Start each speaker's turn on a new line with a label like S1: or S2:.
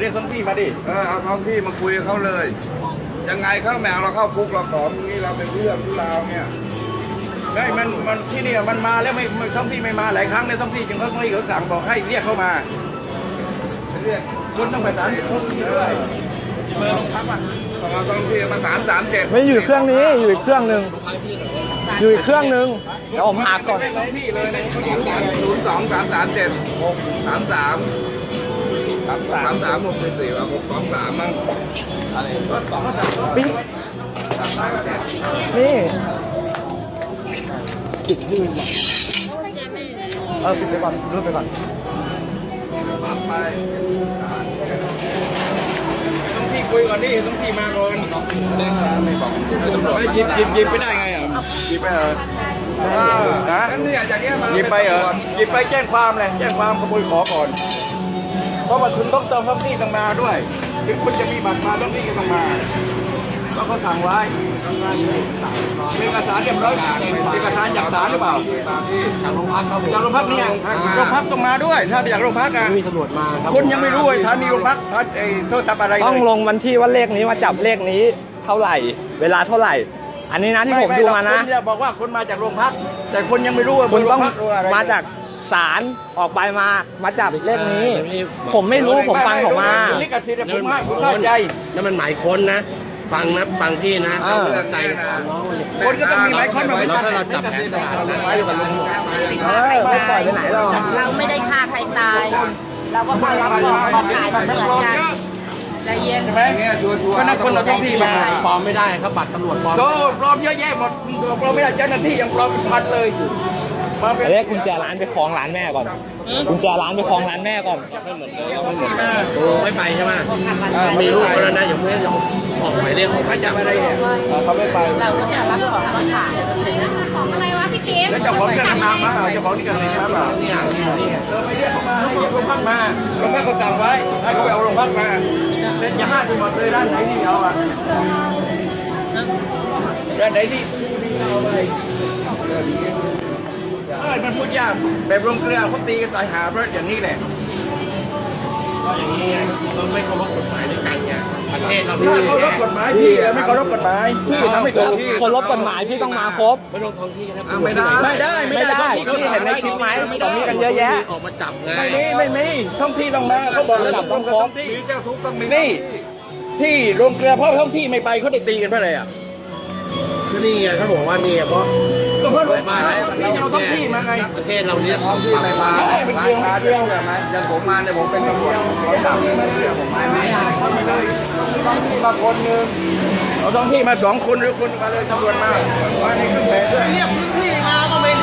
S1: เรียกท้องที่มาดิ
S2: เอาท้องที่มาคุยกับเขาเลย ยังไงเขาแมวเราเข้าคุกเราขอตรงนี้เราเป็นเรื่องที่ราวเนี่ย
S1: ได้มันที่นี่มันมาแล้วไม่ท้องที่ไม่มาหลายครั้งในท้องที่จึงเขาสั่งบอกให้เรียกเข้ามาเรียกคุณต้องไปศาลท้องที่ด้วยเบอร์โรงพักอ่ะ
S2: ต้องเอาท้องที่มา337
S3: ไม่อยู่เครื่องนี้อยู่อีกเครื่องหนึ่งอยู่อีกเครื่องหนึ่งเดี๋ยวผมหาก่อน
S1: ไม่ท้องที่เลยในผู้หญิง
S2: 02 337 33 ว่า623มั้ง
S1: อะไรรถสองก็จับ
S3: ปิ๊งนี่ปิดไปก่อนรูดไปก่อน
S2: ปั๊บไป
S1: ต้องที่คุยก่อนนี่ต้องที่มาก่อนไม่หยิบไปได้ไงอ่ะหยิบไปเหรอฮะ
S2: นั่นเนี่ยจากเนี้ยมา
S1: หยิบไปเหรอหยิบไปแจ้งความเลยแจ้งความขโมยขอก่อน เพราะว่าคุณต้องเติมท้องที่ต้องมาด้วยถึงคุณจะมีบัตรมาท้องที่ก็ต้องมาก็เขาสั่งไว้เป็นเอกสารเรียบร้อยเอกสารจากศาลหรือเปล่า
S2: จากโรงพักเขา
S1: จากโรงพักเนี่ยโรงพักต้องมาด้วยถ้าจากโรงพักอ่ะ
S2: มีตำรวจมาครับ
S1: คุณยังไม่รู้เลยฐานีโรงพักโทษทัพอะไรเลย
S3: ต้องลงวันที่ว่าเลขนี้มาจับเลขนี้เท่าไหร่ เวลาเท่าไหร่ อันนี้นะที่ผมดูมานะ
S1: คุณจะบอกว่าคุณมาจากโรงพัก แต่คุณยังไม่รู้ว่า
S3: คุณต้อง
S1: โรงพักรู้อะไร
S3: มาจากศาลออกไปมาจับเลขนี้ ผมไม่รู้ผมฟังเขามา
S1: ลิขสิทธิ์ผมให้คุณเข้าใจ
S4: นั่นมันหมายค้นนะ ฟังนะฟังพี่นะ
S3: อ่า
S4: เราเลือกใจน้อง
S1: คนก็ต้องมีหมายค้นมาเหมือน
S4: แล้ว
S1: กัน
S4: ถ้าเราจับแผนตลาดเราไว้อยู่กับลุง
S3: ไม่ปล่อยไปไหนหรอก
S5: เราไม่ได้ฆ่าใครตาย เราก็มารับของขายเหมือนกันใจเย็น
S1: ใช่ไหมก็นักคนเราท้องที่มา
S4: ปลอมไม่ได้ครับบัตรตำรวจปลอม
S1: โดนปลอมเยอะแยะหมดปลอมไม่ได้เจ้าหน้าที่ยังปลอมเป็นพันเลยมาเป็น
S3: เรียกกุญแจร้านไปคล้องร้านแม่ก่อนกุญแจร้านไปคล้องร้านแม่ก่อน
S4: โอ้ไม่ไปใช่ไหมมีลูกแล้วนะอย่าเพิ่งออกหมายเรียกออกหมายจับ
S1: อะไรเนี่ยเขาไม่ไป
S5: เราก็จะรับของมาขาย
S1: แล้วเจ้าของจะทำงานมาเจ้าของนี่ก็สิทธิ์มาเปล่า
S4: เนี่ย
S1: ไปเรียกเขามาให้เรียกโรงพักมาโรงพักเขาสั่งไว้ให้เขาไปเอาโรงพักมาเป็นอย่าห้าไปหมดเลยด้านไหนที่เอาอ่ะด้านไหนที่เอาไปมันพูดยากแบบโรงเกลือเขาตีกันตายหาเพราะอย่างนี้แหละ
S4: ก็อย่างนี้ไงเราไม่เคารพกฎหมายด้วยกันไงประเทศเรา
S1: ถ้าเขารบกฎหมายพี่ไม่เคารพกฎหมายพี่ทำให้ถูกที่
S3: คนรบกฎหมายพี่ต้องมาครบ
S4: ไม่ลงท้องที่นะ
S1: ไม่ได้
S3: ไม่ได้พี่เห็นในคลิปไหมตรงนี้กันเยอะแยะ
S4: ออกมาจับไง
S1: ไม่มีท้องที่ต้องมาเขาบอกแล้วต้องท้องที่
S2: มีเจ้าทุกข์ต้องมี
S1: นี่ที่โรงเกลือเพราะท้องที่ไม่ไปเขาได้ตีกันเพราะอะไรอ่ะ
S4: ก็นี่ไงเขาบอกว่านี่เพราะ
S1: ก็เพราะมาเราท้องที่มาไง
S4: ประเทศเราเนี่ย
S2: ท้องที่ไม่มา
S1: ไม่เกี่ยว
S2: มาเรื่องแบบไหมอย่างผมมาเนี่ยผมเป็นตำรวจเขาจับไม่เชื่อผมไม่
S1: มาคนหนึ่งเอาท้องที่มา2 คนหรือคนมาเลยตำรวจมาในเครื่องแบบด้วย
S2: เรียกพื้นที่มาก็ไม่